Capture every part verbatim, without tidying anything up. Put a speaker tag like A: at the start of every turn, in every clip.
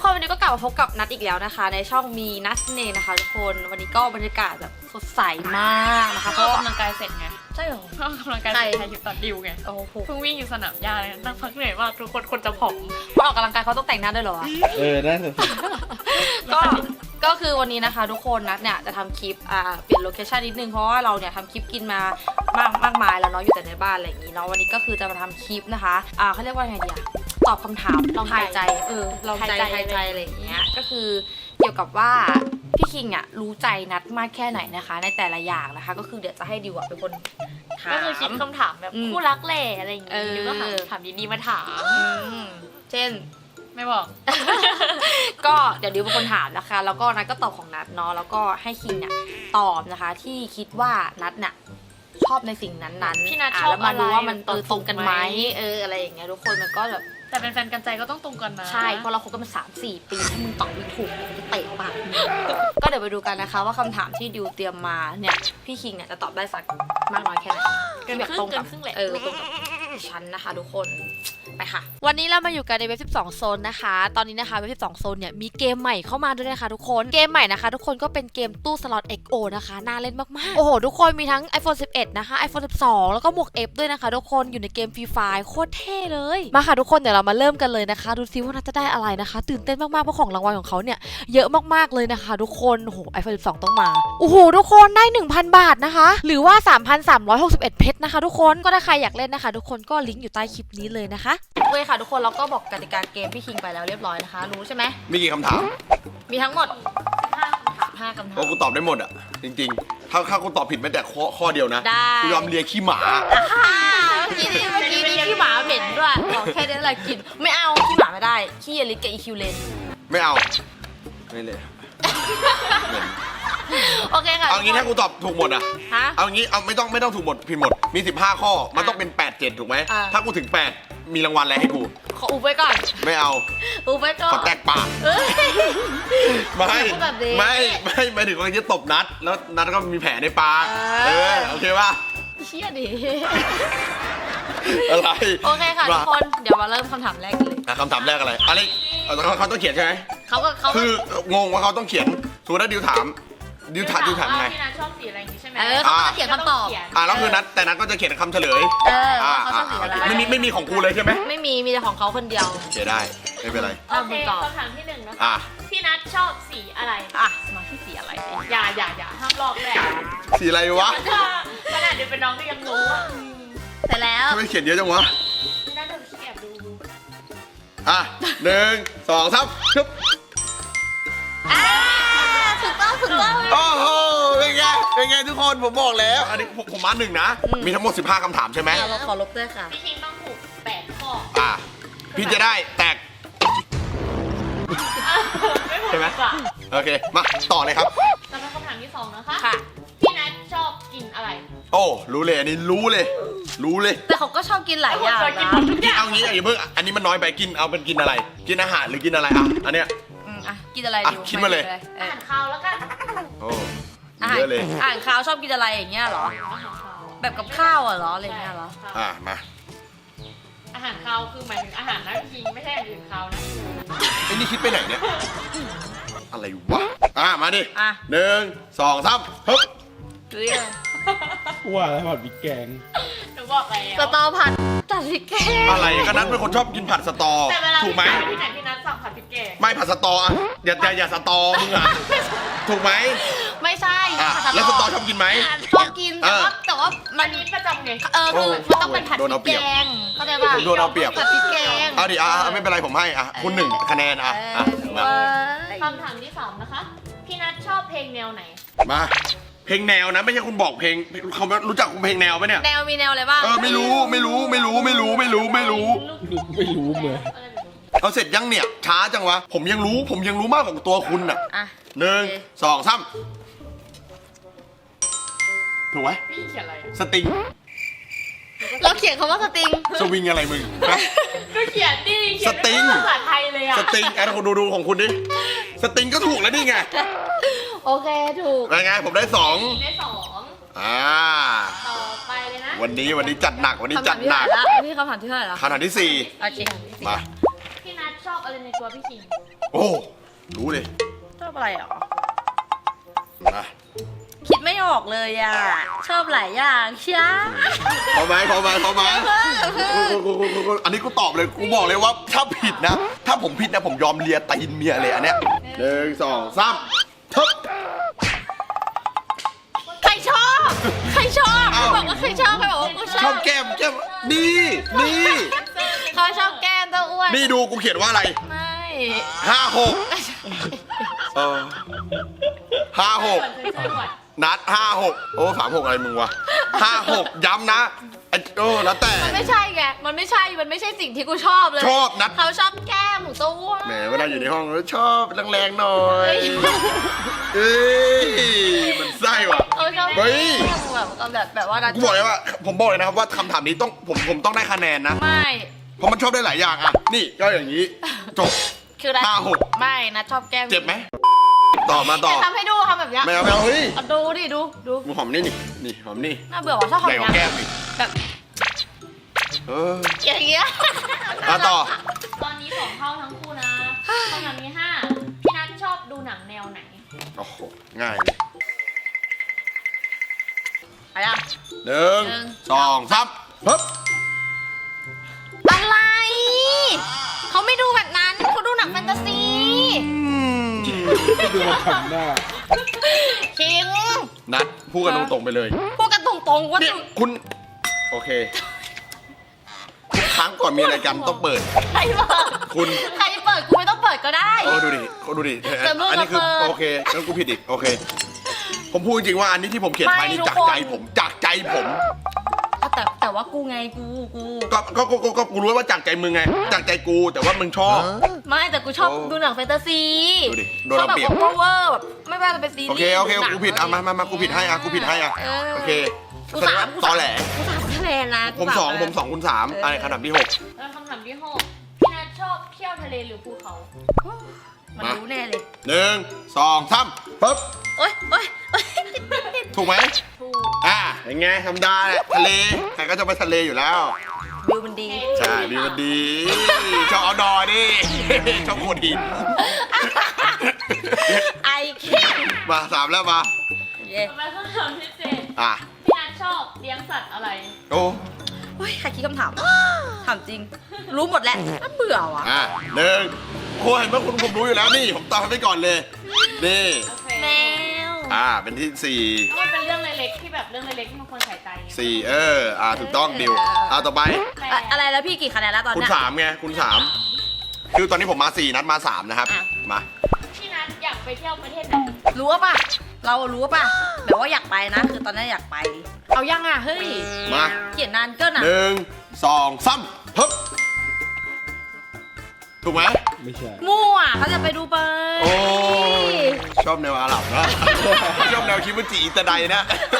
A: คนวันนี้ก็กลับมาพบกับนัทอีกแล้วนะคะในช่องมีนัทเนนะคะทุกคนวันนี้ก็บรรยากาศแบบสดใสมากนะคะเพราะกำลังกายเสร็จไงใช่หรอกำลังกายเสร็จอยู่ตัดดิวไงโอ้โหเพิ่งวิ่งอยู่สนามหญ้าเลยนั่งพักเหนื่อยมากทุกคนคนจะผอมพอออกกำลังกายเขาต้องแต่งหน้าด้วยเหรอ
B: เออได้สิ
A: ก็ก็คือวันนี้นะคะทุกคนนัทเนี่ยจะทำคลิปอ่าเปลี่ยนโลเคชั่นนิดนึงเพราะว่าเราเนี่ยทำคลิปกินมามากมากมายแล้วเนาะอยู่แต่ในบ้านอะไรอย่างนี้เนาะวันนี้ก็คือจะมาทำคลิปนะคะอ่าเขาเรียกว่าไงดีอะตอบคำถามลองทายใจเออลองใจทายใจอะไรอย่างเงี้ยก็คือเกี่ยวกับว่าพี่คิงอ่ะรู้ใจนัทมากแค่ไหนนะคะในแต่ละอย่างนะคะก็คือเดี๋ยวจะให้ดิวเป็นคนถามก็คือคิดคำถามแบบคู่รักแหล่อะไรอย่างเงี้ยดิวก็ถามถามดีๆมาถามเช่นไม่บอก ก็เดี๋ยวดิวเป็นคนถามนะคะแล้วก็นัทก็ตอบของนัทเนาะแล้วก็ให้คิงเนี่ยตอบนะคะที่คิดว่านัทเนี่ยชอบในสิ่งนั้นๆพี่นัทชอบอะไรแล้วมาดูว่ามันเออตรงกันไหมเอออะไรอย่างเงี้ยทุกคนมันก็แบบแต่เป็นแฟนกันใจก็ต้องตรงกันนะใช่เพราะเราคบกันมาสามสี่ปีถ้ามึงตอบไม่ถูกมึงจะเตะปากมึงก็เดี๋ยวไปดูกันนะคะว่าคำถามที่ดิวเตรียมมาเนี่ยพี่คิงเนี่ยจะตอบได้สักมากน้อยแค่ไหนเกินครึ่งเกินครึ่งแหละเออตรงกับฉันนะคะทุกคนไปค่ะวันนี้เรามาอยู่กันในเว็บสิบสองโซนนะคะตอนนี้นะคะเว็บสิบสองโซนเนี่ยมีเกมใหม่เข้ามาด้วยนะคะทุกคนเกมใหม่นะคะทุกคนก็เป็นเกมตู้สล็อต เอ็กซ์ โอ นะคะน่าเล่นมากๆโอ้โหทุกคนมีทั้ง ไอโฟน สิบเอ็ด นะคะ ไอโฟน สิบสอง แล้วก็หมวก F ด้วยนะคะทุกคนอยู่ในเกม Free Fire โคตรเท่เลยมาค่ะทุกคนเดี๋ยวเรามาเริ่มกันเลยนะคะดูซิว่าน่าจะได้อะไรนะคะตื่นเต้นมากๆเพราะของรางวัลของเขาเนี่ยเยอะมากๆเลยนะคะทุกคนโอ้โห ไอโฟน สิบสอง ต้องมาโอ้โหทุกคนได้ หนึ่งพัน บาทนะคะหรือว่า สามพันสามร้อยหกสิบเอ็ด เพชรนะคะทุกคนก็ถ้าใครอยากเล่นนะคะทุกคนก็ลิงก์อยู่ใต้คลิปนี้เลยนะคะโอเคค่ะทุกคนเราก็บอกกติกาเกมพี่คิงไปแล้วเรียบร้อยนะคะรู้ใช่ไหม
B: มีกี่คำถาม
A: มีทั้งหมดห้าคำถามห้าคำถาม
B: โอ้กูตอบได้หมดอ่ะจริงๆถ้าถ้ากูตอบผิดแม้แต่ข้อข้อเดียวนะกูยอมเลียขี้หมา
A: เมื่อกี้นี่เมื่อกี้นี่ขี้หมาเหม็นด้วยขอแค่นี้อะไรกินไม่เอาขี้หมาไม่ได้ขี้อลิสกับอีคิวเลน
B: ไม่เอาไม่เลย
A: โอเคค่ะ
B: เอางี้ถ้ากูตอบถูกหมดอ่ะ
A: ฮะ
B: เอางี้เอาไม่ต้องไม่ต้องถูกหมดผิดหมดมีสิบห้าข้อมันต้องเป็นแปด เจ็ดถูกไหมถ้ากูถึงแปดมีรางวัลอะไรให้กู
A: ขออุบไว้ก่อน
B: ไม่เอา
A: อุบไว้ก่อน
B: ขอแตกปากไม่ไม่ไม่ไม่ถึงว่าจะตบนัดแล้วนัดก็มีแผลในปากเออโอเคป่ะ
A: เชี่ยดิ
B: อะไร
A: โอเคค่ะทุกคนเดี๋ยวมาเริ่มคำถามแรกกันเลย
B: คำถามแรกอะไรอะไรเขาต้องเขียนใช่ไหม
A: เขาก็เขา
B: คืองงว่าเขาต้องเขียนสมมติว่าดิวถามดิวถามดิวถามไง
C: พี่นัทชอบสีอะไรอย่างงี้ใช่ไหม
A: เออเขาต้องเขียนคำตอบ
B: อ่าแล้วคือนัทแต่นัทก็จะเขียนคำเฉลย
A: เออเขาชอบสีอะไร
B: ไม่มีไม่มีของกูเลยใช่ไหม
A: ไม่มีมีแต่ของเขาคนเดียว
B: เขียนได้ไม่เป็นไร
C: โอเคคำถามที่หนึ่งนะคะพี่นัทชอบสีอะไร
A: อ่ะมาที่สีอะไร
C: อย่าอย่าอย่าห้ามลอกแหละ
B: สีอะไรวะ
C: ขนาดเดี๋ยวเป็นน้องก็ยังรู้อ่ะ
A: แต่แล้ว
B: ทำไมเขียนเยอะจังวะ
C: พี่นัทเดี๋ยวพี่แอบดู
B: อ่ะหนึ่งสองสามชึบ
A: อ่าถูกต้องถูกต้อง
B: โอ้โหเป็นไงเป็นไงทุกคนผมบอกแล้วอันนี้ผมมาหนึ่งนะมีทั้งหมดสิบห้าคำถามใช่ไหม
A: เราขอลบด้วยค่ะ
C: พี่คิงต้องถูกแปดข้อ
B: อ่ะพี่จะได้แตกใช่ไหมโอเคมาต่อเลยครับ
C: สำหรับคำถามที่สองนะคะ
A: ค่ะ
C: พี่นัทชอบกินอะไร
B: โอ้รู้เลยอันนี้รู้เลยรู้เลย
A: แต่เขาก็ชอบกินหลายอย่างนะ
B: กินเอางี้อย่าเพิ่งอันนี้มันน้อยไปกินเอาเป็นกินอะไรกินอาหารหรือกินอะไรอ่ะอันเนี้ย
A: อ่ะกินอะไร
B: ดิคิดมาเลย
C: อาหารคาวแล้วกัน
B: โอ้เยอะเลย
A: อาหารคาวชอบกินอะไรอย่างเงี้ยเหรอแบบกับข้าวเหรออะไรเงี้ยเหรอ
B: อ่ะมา
C: อาหารคาวคือหมายถึงอาหารนะจริงไม่ใช่อาหารคาวนะ
B: ไอ้นี่คิดไปไหนเนี่ยอะไรวะอ่ะมาดิหนึ่งสองสามฮึบ
A: เรีย
D: ว่าแล้วผัดพริกแกง
C: หนูบอกแล้ว
A: สตอผัดผัดพริกแกง
B: อะไรก็นั้นเป็นคนชอบกินผัดสตอถูกไหม
C: ที่ไหนที่นั้นสั่งผัดพริกแกง
B: ไม่ผัดสตออ่ะอย่าอย่าอย่าสตอมึงอ่ะถูกไหม
A: ไม่ใช่
B: แล้วสตอชอบกินไหม
A: ชอบกินแต่ว่าแต่ว่า
C: มันนี้ประจำไง
A: เออคือมันต้องเป็นผัดพริกแกงเข้าใจป่ะ
B: โดนเอาเปรียบ
A: ผัดพริกแกง
B: เอาดิอ่ะไม่เป็นไรผมให้อ่ะคุณหนึ่งคะแนนอ่ะ
C: คำถามที่สามนะคะพี่นัทชอบเพลงแนวไหน
B: มาเพลงแนวนะไม่ใช่คุณบอกเพลงเขารู้จักคุณเพลงแนวไหมเนี่ย
A: แนวมีแนวอะไรบ้าง
B: เออไม่รู้ไม่รู้ไม่รู้ไม่รู้ไม่รู้ไม่รู้
D: ไม่รู้เลย
B: เอาเสร็จยังเนี่ยช้าจังวะผมยังรู้ผมยังรู้มากกว่าตัวคุณอ่ะหนึ่งสองสามถูกไหม
C: พี่เขียนอะไร
B: สติง
A: เราเขียนคำว่าสติง
B: สวิงอะไรมึง
C: ก็เขียนดิ
B: สติง
C: ภาษาไทยเลยอะ
B: สติงไอ้คุณดูดูของคุณดิสติงก็ถูกแล้วนี่ไง
A: โอเคถูก
B: ไงผมได้สอง
C: ได้สอง
B: อ่า
C: ต่อไปเลยนะ
B: วันนี้วันนี้จัดหนักวันนี้จัดหนัก
A: นี่คำถามที่เท่าไหร่แล้ว
B: คำถามที่สี่
A: โอเค
B: มา
C: พี่นัทชอบอะไรเลยในตัวพี่คิง
B: โอ้รู้เลย
A: ชอบอะไรอ่ะ
B: มา
A: คิดไม่ออกเลยอ่ะ ชอบหลายอย่างเชีย
B: พอไหมพอไหมพอไหมอันนี้กูตอบเลยกูบอกเลยว่าถ้าผิดนะ ถ้าผมผิดนะผมยอมเลียตีนเมียเลยอันเนี้ยหนึ่งสองสามทึบ
A: ใครชอบ ใครชอบ
B: เอ้า
A: ใครบอกว่าใครชอบใครบอกว่ากูช
B: ช
A: อ
B: อ
A: บบ
B: แก้มแก้มนี่นี่
A: เขาชอบแก้มตัวอ้วน
B: นี่ดูกูเขียนว่าอะไร
A: ไม่
B: ห้าหกเออห้าหก
C: ส่วนเคยๆหวัด
B: นัดห้าหกโอ้สามหกอะไรมึงวะห้าหกย้ำนะไอ้โอ้แล้วแต่
A: มันไม่ใช่ไง มันไม่ใช่ มันไม่ใช่สิ่งที่กูชอบเลย
B: ชอบนัด
A: เขาชอบแก้มของตัวอ้วน
B: แหมเวลาอยู่ในห้องแล้วชอบแรงๆหน่อย เอ้ยมันไส้ว่ะ
A: เขาชอบ
B: เฮ้
A: แก้
B: ย
A: มแบบแบบแบบว่า
B: กูบอกเลยว่าผมบอกเลยนะครับว่าคำถามนี้ต้องผมผมต้องได้คะแนนนะ
A: ไม่
B: เพราะมันชอบได้หลายอย่างอ่ะ นี่ก็อย่างนี้ จบ
A: คือนัท
B: ห้าหก
A: ไม่นัทชอบแก้ม
B: เจ็บไหม ต่อมาต่อ
A: แต่ทำให้ดูทำแบบเนี้ย
B: ไม่เอาไม่เอาเฮ้ย
A: เอาดูดิดูดู
B: กูหอมนี่นี่นี่หอมนี่
A: น่าเบื่อว่ะชอบหอ
B: ให
A: ม
B: ญ่กว่า
A: ยั
B: แก้
A: ง
B: มอีก
A: แบบ
B: เออ
A: อย่างเงี้ย
B: มาต่อ
C: ตอนนี้สองเท่าทั้งคู่นะคำถามที่ห้าพี่นัทชอบดูหนังแนวไหน
B: โอ้โหง่ายเลย
A: อะไรอ่ะ
B: หนึ่ง
A: หนึ่ง
B: สองสามปึ๊บ
A: อะไรเขาไม่ดูแบบนั้นเขาดูหนังแฟนตาซี
D: ก็ดูมันทำหน้า
A: คิง
B: นัดพูดกันตรงๆไปเลย
A: พูดกันตรงๆว่า
B: เนี่ยคุณ โอเคทุกครั้งก่อนมีอะไรกันต้องเปิด
A: ใครเปิด
B: คุณ
A: ใครเปิดกูไม่ต้องเปิดก็ได้
B: โอ้ดูดิเขาดูดิเออ
A: แต่มึง
B: อันนี้คือ
A: เปิด
B: โอเคแล้วกูผิดอีกโอเค ผมพูดจริงๆว่าอันนี้ที่ผมเขียนไป
A: ไม่
B: นี่
A: ทุก
B: จาก
A: คน
B: ใจผมจากใจผม
A: เอาแต่แต่ว่ากูไงกูกู
B: ก็ก็ก็ก็ก็กูรู้ว่าจากใจมึงไง จากใจกูแต่ว่ามึงชอบ
A: ไม่แต่กูชอบ
B: โอ้
A: ดูหนังแฟนตาซี
B: ดูดิโดน
A: ชอบ
B: เรา
A: แบบ
B: เปรียบ
A: โอเวอร์แบบไม่ว่าจะเป็นซีรีส์
B: โอเคโอเค
A: หนัง
B: กูผิดอ่ะมามามากูผิดให้อ่ะกูผิดให้อ่ะ
A: เออ
B: โอเค
A: กูสามกู
B: ต
A: สา
B: อ
A: ม
B: แหล
A: กูสามคะแนนนะ
B: ผมสองผมสองคุณสาม
A: เออ
B: อะไรขนาดที่หก
C: แล้วคำถามที่หกพี่นัทชอบเที่ยวทะเลหรือภูเขา
A: มันรู้แน่เลย
B: หนึ่งสองสามปึ๊บ
A: โอ๊ยโอ๊ยโอ๊ย
B: ถูกไหม
C: ถูก
B: อ่าอย่างไงธรรมดาแหละทะเลใครก็จะไปทะเลอยู่แล้ว
A: วิวมันดี
B: ใช่ดีมันดีชอบเอาดอดิชอบโขดหิน
A: ไอเค้ก
B: มาสามแล้วมา
A: เย้
C: ต่อไปคำถามที่เจ็ด
B: อ่ะ
C: พี่นัทชอบเลี้ยงสัตว์อะไร
B: โอ้
A: โอ๊ยใครคิดคำถาม ถามจริง รู้หมดแหละน่าเบื่อว่ะ
B: อ่ะหนึ่งโอ้เห็นว่าคุณผมรู้อยู่แล้วนี่ผมตอบให้ไปก่อนเลยนี่
C: โอเค
A: แมว
B: อ่าเป็นที่สี่
C: มันเป็นเรื่องเล็กๆที่แบบเรื่องเล็กๆที่มันควรใส่ใจไง
B: สี่เอออ่าถูกต้องดิวอ่าต่อไป
C: แต่
A: อะอะไรแล้วพี่กี่คะแนนแล้วตอน
B: คุณ
A: เนี้ย
B: สามไงคุณสามคือตอนนี้ผมมาสี่นัดมาสามนะครับ
A: อ่ะ
B: มา
C: พี่นัทอยากไปเที่ยวประเทศไหน
A: รู้ป่ะ เรารู้ป่ะแบบว่าอยากไปนะ คือตอนนี้อยากไป เอายังอ่ะ เฮ้ย
B: มา
A: เขียนนานเกินอ่ะ
B: หนึ่งสองสามฮึบถูกไหม
D: ไม่ใช่
A: มั่วเขาจะไปดูไป
B: โอ้ชอบแนวอาหรับนะ ชอบแนวคิดว่าจีอิตาไดนะ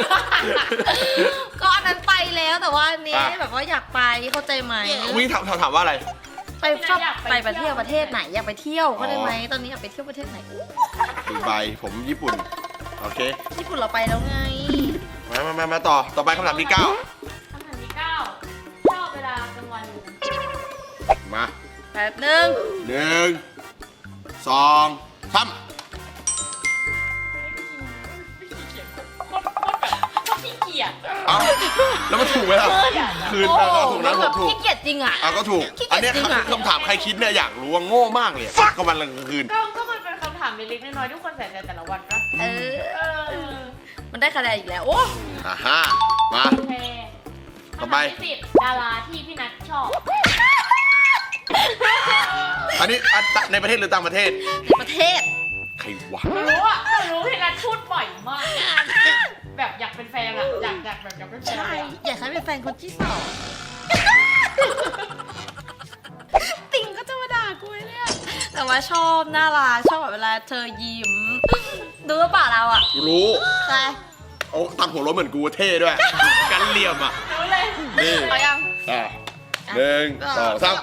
A: ก็อันนั้นไปแล้วแต่ว่าอันนี้
B: อ่ะ
A: แบบว่าอยากไปเข้าใจไหม
B: วิ่งถามถามถามว่าอะไร
A: ไปชอบไปประเทศประเทศไหนอยากไปเที่ยวเข้าใจไหมตอนนี้อยากไปเที่ยวประเทศไหนอู้
B: ดูไบผมญี่ปุ่น โอเค
A: ญี่ปุ่นเราไปแล้วไง
B: มามามามาต่อ ต่อไปคำถามที่เก้า
C: คำถามที่เก้าชอบเวลากลางวันหรือกลางคืน
B: มา
A: แป๊บนึง
B: หนึ่งสองสาม
C: ขี้เกียจ
B: เอ้าแล้วมันถูกไหมล่ะ คืน
A: โอ้
B: มาก็ถูกนะ
A: มัน
B: ผ
A: แบบ
B: มถูก
A: ขี้เกียจจริงอ่ะ
B: อ่ะก็ถูก
A: ขี้เกียจ
B: อันเนี้ย
A: จริงอะ
B: คำถามใครคิดเนี่ยอยากรู้ว่าโง่มากเลยก็วันละกลางคืน
C: ก็ก็มันเป็นคำถามเล็กๆน้อยๆทุกคนใส่ใจแต่ละวันก็
A: เออ
C: เออ
A: มันได้คะแนนอีกแล้ว โอ้
B: อ่าฮะมา
C: โอเค
B: ต่อไป
C: คำถามที่สิบดาราที่พี่นัทชอบ
B: อันนี้อันในประเทศหรือต่างประเทศ
A: ในประเทศ
B: ใครวะ
C: รู้อ่ะรู้พี่นัทพูดบ่อยมาก แบบอยากเป็นแฟนอ่ะ อยากอยากแบบอยากเป็นแฟน
A: ใช่
C: อะ
A: อยากให้เป็นแฟนคนที่สองติ่งก็จะมาด่ากูเนี่ย แต่ว่าชอบน่ารักชอบแบบเวลาเธอยิ้ม ดูหรือเปล่าเราอ่ะ
B: รู้
A: ใช่
B: โอ้ตัดหัวรถเหมือนกูเท่ด้วย กันเหลี่ยมอ่ะ
C: รู้เลย
B: นี่
A: เอายัง
B: อ่ะหนึ่งสองสาม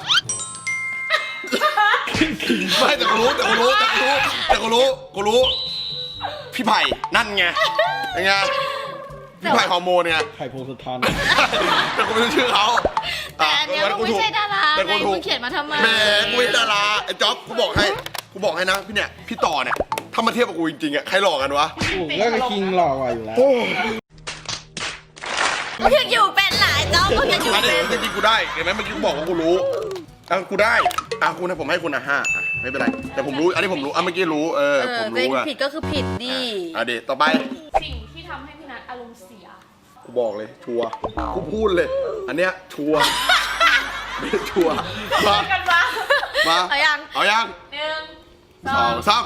B: ไม่แต่กูรู้แต่กูรู้แต่กูรู้แต่กูรู้กูรู้ พี่ไผ่นั่นไงเป็นไงพี่ไผ่ฮอร์โมนไง
D: ไข่พงศธร
B: แต่กูไม่รู้ชื่อเขา
A: แต่อันเนี้ยมึงไม่ใช่ดารา
B: แต่
A: ไง
B: กูถู
A: มึ
B: ก
A: งเขียนมาทำไม
B: แหมกูไม่ใช่ดาราไอ้จ๊อบกูบอกให้กูบอกให้นะพี่เนี่ยพี่ต่อเนี่ยถ้ามาเทียบกับกูจริงๆอะใครหลอกกันวะ
D: ผมก็กับคิงหล่อกว่าอยู่แล้ว
B: โอ้
A: มึงยังอยู่เป็นหลายจ้องมึงยังอยู่
B: อัน
A: เป็
B: นี้
A: น
B: จริงๆกูได้เห็นไหมเมื่อกี้กูบอกว่ากูรู้อ่ะกูได้อ่ะคุณนะผมให้คุณอ่ะห้าอ่ะไม่เป็นไรแต่ผมรู้อันนี้ผมรู้อ่ะเมื่อกี้รู้เออ
A: เอ
B: ผ
A: อ
B: ม
A: เป็น
B: รู้อ่ะ
A: ผิดก็คือผิดดิ
B: อ่ะเดี๋ยวต่อไป
C: สิ่งที่ทำให้พี่นัทอารมณ์เสีย
B: กูบอกเลยชัวร์กูพูดเลย อันเนี้ยชัวร์ชัวร์มา
C: กันมา
B: มา
A: เอายัง
B: เอายัง
C: หนึ่งส
B: ส
C: อ
B: อง งสาม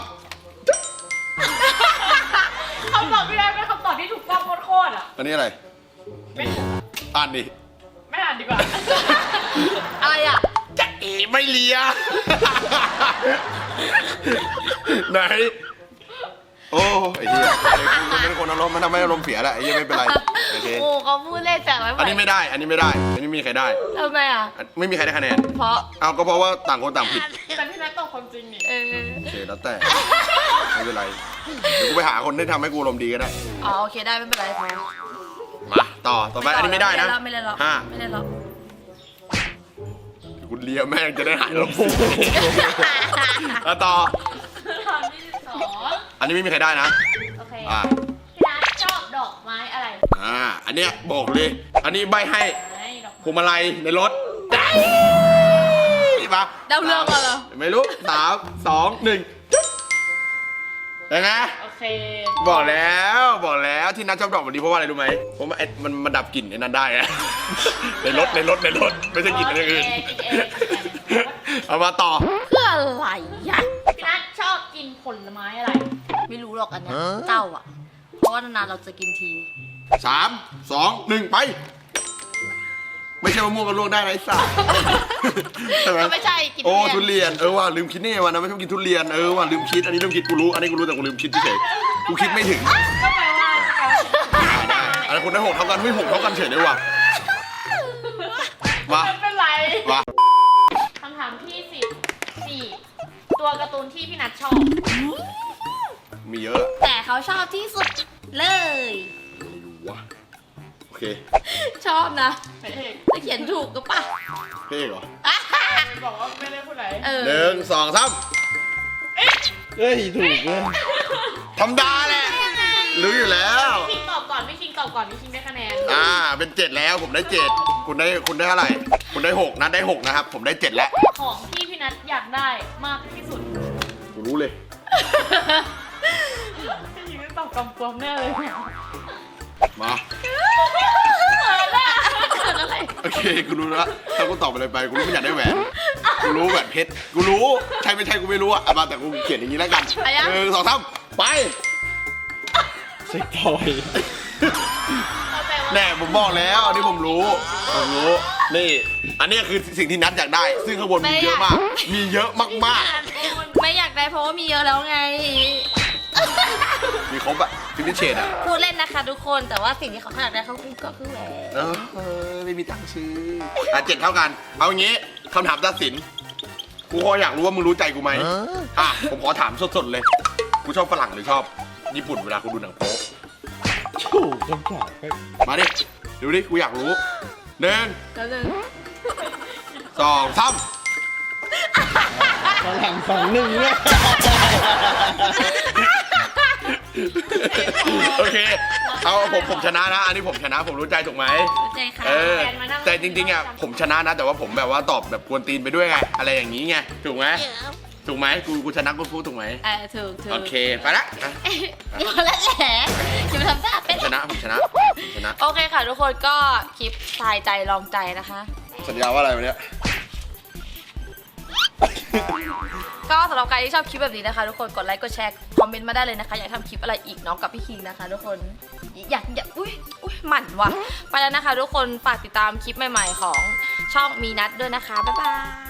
C: คำตอบพี่นัทเป็นคำตอบที่ถูกต้องโคตรๆอ่ะ
B: อันนี้อะไร
C: ไม่
B: อ่านดิ
C: ไม่อ่านดีกว่า
A: อะไรอ่ะ
B: จะเอไม่เลีย ไหนโอ้ไอ้เหี้ยกูเป็นคนอารมณ์มันทำให้อารมณ์เสียแหละไอ้เหี้ยไม่เป็นไรโอเค
A: โอ้เขาพูดเล่นแต่ไม่
B: อันนี้ไม่ได้ อันนี้ไม่ได้ อันนี้ไม่มีใครได้
A: ทำไมอ่ะ
B: ไม่มีใครได้คะแนน
A: เพราะ
B: เอาก็เพราะว่าต่างคนต่างผิด
C: แต่พี่นัทตอบความจริงนี่
A: เออ
B: โอเคแล้วแต่ ไม่เป็นไร เดี๋ยวกูไปหาคนที่ทำให้กูอารมณ์ดีก็ได้
A: อ๋อโอเคได้ไม่เป็นไรพอ
B: มาต่อ ต่อไปอันนี้ไม่ได้นะ
A: ไม่เล่นหรอก
B: ห้า
A: ไม่เล่นหรอก
B: กูเลียแม่งจะได้หายอารมณ์เสียแล้วต่อ
C: คำที่สอง
B: อันนี้ไม่มีใครได้นะ
C: โอเค
B: อ่า
C: พี่นัทชอบดอกไม้อะไร
B: อ่า อันเนี้ยบอกเลย อันนี้ใบให้
C: ไม้ดอก
B: พวงมาลัยในรถได้ปะ
A: เดาเรื่องก่อนเหรอ
B: ไม่รู้สามสองหนึ่งยังไง
C: โอเค
B: บอกแล้วบอกแล้วที่นัดชอบดอกแบบนี้เพราะว่าอะไรรู้ไหมเพราะมันไอ้มันมันดับกลิ่นไอ้นั้นได้อะ ในรถในรถในรถไม่ใช่กลิ่นอะไรอื่น
C: โอเคโอเค
B: เอามาต่อ
A: เพื่ออะไรอ่ะ
C: พี่นัทชอบกินผลไม้อะไร
A: ไม่รู้หรอกอันเนี้ยเจ้าอ่ะ เพราะว่านานๆเราจะกินที
B: สามสองหนึ่งไป ไม่ใช่มะม่วงกับลวกได้นะไอ้สัสใช่ไหม
A: ก็ไม่ใช่กิน
B: โอ้
A: ทุ
B: ทุ
A: เรียน
B: เรียนเออว่ะลืมคิดนี่วันนั้นไม่ชอบกินทุเรียนเออว่ะลืมคิดอันนี้ลืมคิดกูรู้อันนี้กูรู้แต่กูลืมคิดเฉยๆกูคิดไม่ถึง
C: ก็แปลว่า
B: ได้อันนี้คุณได้หกเท่ากันไม่หกเท่ากันเฉยเลยว่ะมา
C: ไม่เป็นไร
B: มา
C: คำถามที่สิบสี่ตัวการ์ตูนที่พี่นัทชอบ
B: มีเยอะอะ
A: แต่เขาชอบที่สุดเลย
B: ไม่รู้วะโอเค
A: ชอบนะ
C: พระเอก
A: จะเขียนถูกก็ป่ะ
B: เพ่เหรอ
C: บอกว่าไม่ได้พูดอะไร
A: เออ
B: หนึ่งสองสาม
D: เอ้ย ถูกเลย
B: ธรรมดาแหละรู้อยู่แล้ว
C: พี่คิงตอบก่อนพี่คิงตอบก่อนพี่คิงได้คะแนน
B: อ่าเป็นเจ็ดแล้วผมได้เจ็ดคุณได้คุณได้เท่าไหร่คุณได้หกนัดได้หกนะครับผมได้เจ็ดแล้ว
C: ของที่พี่นัทอยากได้มากที่สุด
B: กูรู้เลย
C: พี่คิงได้ตอบกำกวมแน่เลย
B: มา โอเคกูรู้แล้วถ้ากูตอบอะไรไปกูรู้ไม่อยากได้แหวนกูรู้แหวนเพชรกูรู้ใช่ไม่ใช่กูไม่รู้อะเอามาแต่กูเขียนอย่างนี้แล้วกันหนึ่งสองสามไป
D: เซ็กทอย
B: แน่ผมบอกแล้วอันนี้ผมรู้ผมรู้นี่อันนี้คือสิ่งที่นัดอยากได้ ซึ่งข้างบนมีเยอะมาก มีเยอะมาก
A: ไม่อยากได้เพราะว่ามีเยอะแล้วไง
B: ๆมีครบอะฟินิชเชดอะ
A: พูดเล่นนะคะทุกคนแต่ว่าสิ่งที่เขาอยากได้เขาคือก็คือแหวน
B: เออเออไม่มีตังค์ซื้ออ่ะเจ็ดเท่ากัน เอางี้คำถามตัดสินกูขออยากรู้ว่ามึงรู้ใจกูไหมอ่ะผมขอถามสดๆเลยกูชอบฝรั่งหรือชอบญี่ปุ่นเวลากูดูหนังโป๊ะ
D: ถูกคำถามก็
B: มาดิดูดิกูอยากรู้หนึ่ง
A: แล้วหนึ่ง
B: สองสาม
D: ฝรั่งสองหนึ่งเนี่ย
B: โอเคเอาผมผมชนะนะ อันนี้ผมชนะผมรู้ใจถูกไหม
A: ใจค่ะ
B: เออแต่จริงๆอ่ะผมชนะนะ แต่ว่าผมแบบว่าตอบแบบกวนตีนไปด้วยไงอะไรอย่างนี้ไงถูกไหมถูกไหมกูกูชนะกูพูดถูกไหม
A: เออถูกถูก
B: โอเคไปละอ่ะ
A: เดี๋ยวแล้วแหละอย่ามาทำท่า
B: ผ
A: เป็น
B: มชนะผมชนะผมชนะ
A: โอเคค่ะทุกคนก็คลิปทายใจลองใจนะคะ
B: สัญญาว่าอะไรวันเนี้ย
A: ก็สำหรับใครที่ชอบคลิปแบบนี้นะคะ ทุกคนกดไลค์กดแชร์คอมเมนต์มาได้เลยนะคะ อยากทำคลิปอะไรอีกเน้องกับพี่คิงนะคะ ทุกคนอยากอยากอุ้ยอุ้ยหมั่นว่ะไปแล้วนะคะ ทุกคนฝากติดตามคลิปใหม่ๆของช่องมีนัดด้วยนะคะบ๊ายบาย